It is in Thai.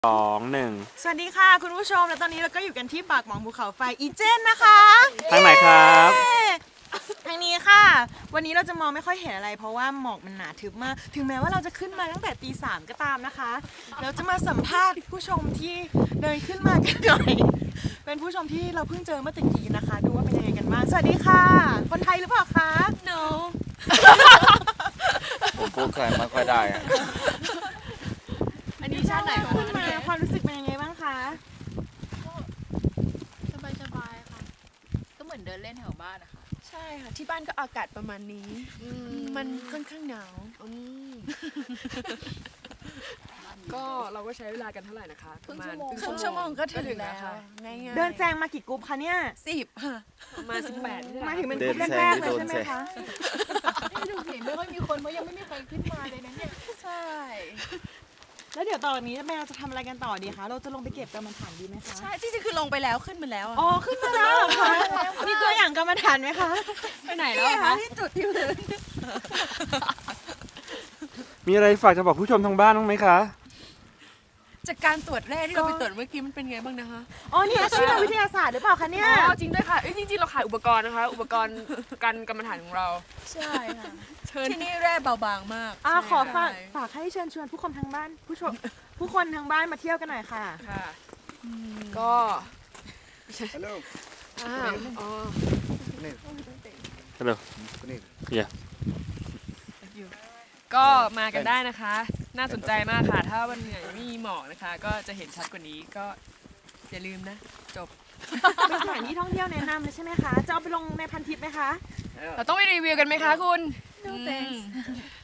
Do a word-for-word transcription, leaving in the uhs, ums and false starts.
สองหนึ่งสวัสดีค่ะคุณผู้ชมและตอนนี้เราก็อยู่กันที่ปากหมองภูเขาไฟอีเจนนะคะทางไหนครับทางนี้ค่ะวันนี้เราจะมองไม่ค่อยเห็นอะไรเพราะว่าหมอกมันหนาทึบมากถึงแม้ว่าเราจะขึ้นมาตั้งแต่ตีสามก็ตามนะคะเราจะมาสัมภาษณ์ผู้ชมที่เดินขึ้นมากันหน่อยเป็นผู้ชมที่เราเพิ่งเจอเมื่อตะกี้นะคะดูว่าเป็นยังไงกันบ้างสวัสดีค่ะคนไทยหรือเปล่าคะ no ผมพูดใครไม่ค่อยได้อะอันนี้ชาติไหนคะขึ้นมาความรู้สึกเป็นยังไงบ้างคะสบายสบายๆค่ะ ก็เหมือนเดินเล่นแถวบ้านนะคะใช่ค่ะที่บ้านก็อากาศประมาณนี้ มันค่อนข้างหนาวก็เราก็ใช้เวลากันเท่าไหร่นะคะประมาณครึ่งชั่วโมงก็ถึงแล้ว ง่ายๆเดินแซงมากี่กรุ๊ปคะเนี่ยสิบค่ะประมาณสิบแปดนี่แหละมาถึงเป็นกรุ๊ปแรกๆเลยใช่ไหมคะไม่ดูเห็นไม่ค่อยมีคนเพราะยังไม่มีใครขึ้นมาเลยนะเนี่ยใช่แล้วเดี๋ยวต่อจากนี้แม่เราจะทำอะไรกันต่อดีคะเราจะลงไปเก็บกรรมฐานดีไหมคะใช่ที่จริงคือลงไปแล้วขึ้นมาแล้วอะอ๋อขึ้นมาแล้วเหรอคะมีตัวอย่างกรรมฐานไหมคะไปไหนแล้วอะคะที่จุดที่พื้นมีอะไรฝากจะบอกผู้ชมทางบ้านบ้างไหมคะจากการตรวจแร่ที่เราไปตรวจเมื่อกี้มันเป็นไงบ้างนะคะอ๋อนี่อาชีพนักวิทยาศาสตร์หรือเปล่าคะเนี่ยอ๋อจริงด้วยค่ะเอ้ยจริงๆเราขายอุปกรณ์นะคะ อุปกรณ์การกรรมฐานของเราใช่ค่ะที่นี่แร่เบาบางมากอ่าขอฝากใช่ฝากให้เชิญชวนผู้คนทางบ้านผู้ชมผู้คนทางบ้านมาเที่ยวกันหน่อยค่ะค่ะก็อ่าอ๋อฮัลโหลอย่าก็มากันได้นะคะ น่าสนใจมากค่ะ ถ้าวันไหนไม่มีหมอกนะคะ ก็จะเห็นชัดกว่านี้ก็อย่าลืมนะ จบเป็นสถานที่ท่องเที่ยวแนะนำเลยใช่ไหมคะจะเอาไปลงในพันทิปไหมคะเราต้องไปรีวิวกันไหมคะคุณ No thanks อืม